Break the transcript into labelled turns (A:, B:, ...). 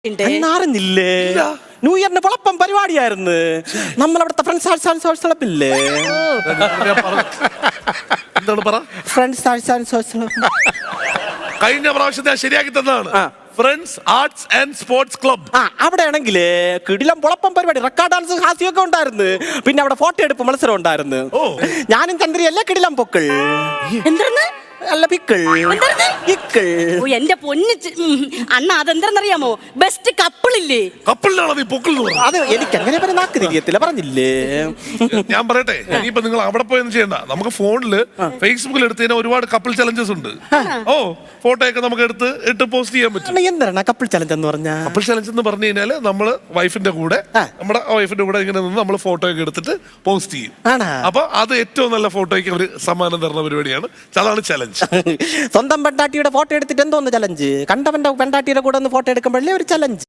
A: അറിഞ്ഞില്ലേ? ന്യൂ ഇയറിന് പൊളപ്പം പരിപാടിയായിരുന്നു. നമ്മളവിടുത്തെ ഫ്രണ്ട്സ് ആർട്സ് ആൻഡ് സോഴ്സ് ക്ലബില്ലേ?
B: എന്താണ് പറ?
A: Friends arts and source club
B: കഴിഞ്ഞ പ്രാവശ്യത്തെ ശരിയാക്കി തന്നതാണ്. Friends arts and sports club.
A: അവിടെ ആണെങ്കില് കിടിലം പൊളപ്പം പരിപാടി, റെക്കോർഡ് ഡാൻസ്, ഹാസ്യമൊക്കെ ഉണ്ടായിരുന്നു. പിന്നെ അവിടെ ഫോട്ടോ എടുപ്പ് മത്സരം ഉണ്ടായിരുന്നു. ഞാനും ചന്ദ്രയല്ലേ കിടിലം പൊക്കൾ.
C: എന്താണ്
A: അല്ല പിക്കിൾ.
C: ഓ എന്റെ പൊന്ന് അണ്ണ അതെന്താന്നറിയാമോ? ബെസ്റ്റ് കപ്പിളില്ലേ?
B: കപ്പിളിനാണോ നീ പൊക്കിൾ എന്ന് പറഞ്ഞത്?
A: അത് എനിക്ക് അങ്ങനെ പറഞ്ഞ നാക്ക് തിരിയത്തില്ല, പറഞ്ഞില്ലേ?
B: ഞാൻ പറയട്ടെ, ഇനിയിപ്പോ നിങ്ങൾ അവിടെ പോയൊന്നും ചെയ്യണ്ട. നമുക്ക് ഫോണില് ഫേസ്ബുക്കിൽ എടുത്ത് കഴിഞ്ഞാൽ ഒരുപാട് കപ്പിൾ ചലഞ്ചസ് ഉണ്ട്. ഓ ഫോട്ടോ ഒക്കെ നമുക്ക് ഇട്ട് പോസ്റ്റ് ചെയ്യാൻ പറ്റും.
A: എന്താണ് കപ്പിൾ ചലഞ്ച് എന്ന് പറഞ്ഞാ?
B: കപ്പിൾ ചലഞ്ച് എന്ന് പറഞ്ഞു കഴിഞ്ഞാല് നമ്മള് വൈഫിന്റെ കൂടെ ഇങ്ങനെ നിന്ന് നമ്മൾ ഫോട്ടോ ഒക്കെ എടുത്തിട്ട് പോസ്റ്റ് ചെയ്യും. അപ്പൊ അത് ഏറ്റവും നല്ല ഫോട്ടോയ്ക്ക് ഒരു സമ്മാനം തരുന്ന പരിപാടിയാണ്. അതാണ് ചലഞ്ച്.
A: സ്വന്തം പെണ്ടാട്ടിയുടെ ഫോട്ടോ എടുത്തിട്ട് എന്തോന്ന് ചലഞ്ച്? കണ്ടവന്റെ പെണ്ടാട്ടിയുടെ കൂടെ ഒന്ന് ഫോട്ടോ എടുക്കുമ്പോഴല്ലേ ഒരു ചലഞ്ച്.